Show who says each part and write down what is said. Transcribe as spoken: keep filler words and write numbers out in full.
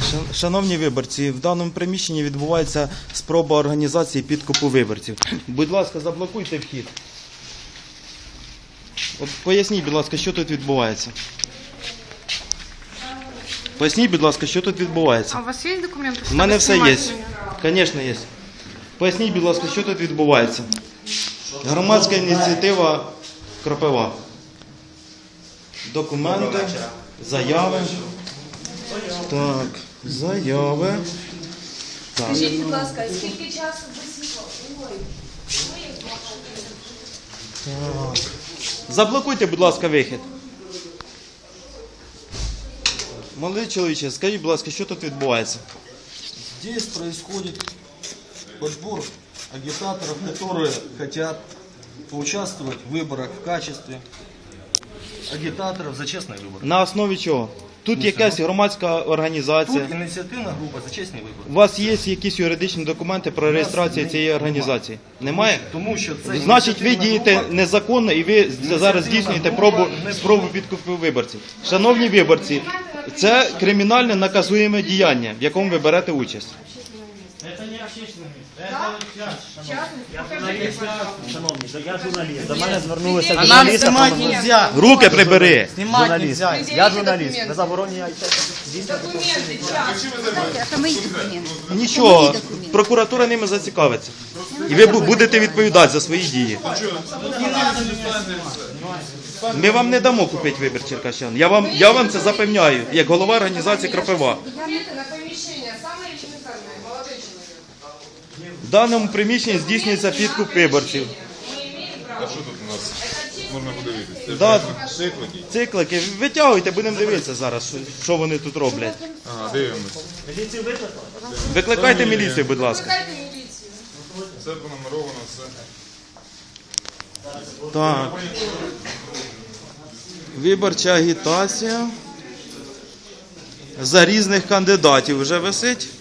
Speaker 1: Шан- Шановні виборці, в даному приміщенні відбувається спроба організації підкупу виборців. Будь ласка, заблокуйте вхід. От поясніть, будь ласка, що тут відбувається. Поясніть, будь ласка, що тут відбувається.
Speaker 2: А у вас є документи?
Speaker 1: У мене все є. Звісно, є. Поясніть, будь ласка, що тут відбувається. Громадська ініціатива Кропива. Документи, заяви. Так, заяви. Так.
Speaker 3: Скажіть, будь ласка, скільки часу ви світло? Ой.
Speaker 1: Так. Заблокуйте, будь ласка, вихід. Молодий чоловіче, скажіть, будь ласка, що тут відбувається?
Speaker 4: Здесь происходит подбор агитаторов, которые хотят поучаствовать в выборах в качестве агитаторов за честные выборы.
Speaker 1: На основі чого? Тут якась громадська організація.
Speaker 4: Тут инициативная группа за честные
Speaker 1: У
Speaker 4: вибори.
Speaker 1: вас є якісь юридичні документи про реєстрацію цієї організації? Немає?
Speaker 4: Тому що це
Speaker 1: Значить, ви
Speaker 4: ініціативна
Speaker 1: дієте
Speaker 4: група.
Speaker 1: незаконно і ви зараз здійснюєте пробу, спробу підкупу виборців. Шановні виборці, це кримінальне наказуєме діяння, в якому ви берете участь.
Speaker 5: Это не общественное место, это час, шановні. Шановні, то я журналіст. До мене звернулися
Speaker 2: А нам
Speaker 5: журналісти.
Speaker 2: знімати
Speaker 5: про-
Speaker 2: нельзя.
Speaker 1: Руки прибери!
Speaker 2: Знімати
Speaker 5: Журналіст.
Speaker 2: нельзя.
Speaker 5: Я журналіст. Ви заборонюєте.
Speaker 3: Документи, час.
Speaker 6: Это мои документы.
Speaker 1: Нічого, прокуратура ними зацікавиться. І ви бу- будете відповідати за свої дії. Ми вам не дамо купити вибір черкащан. Я вам, я вам це запевняю, як голова організації Кропива.
Speaker 3: Документи на поміщення, саме елементарне, молодий чоловік.
Speaker 1: В даному приміщенні здійснюється підкуп виборців.
Speaker 7: А що тут у нас можна подивитися? Це
Speaker 1: Да.
Speaker 7: циклики?
Speaker 1: Циклики, витягуйте, будемо дивитися зараз, що- що вони тут роблять.
Speaker 7: Ага, дивимось.
Speaker 5: Міліцію викликали?
Speaker 1: Викликайте міліцію, будь ласка.
Speaker 3: Викликайте міліцію.
Speaker 7: Все понумеровано, все.
Speaker 1: Так. Виборча агітація. За різних кандидатів вже висить.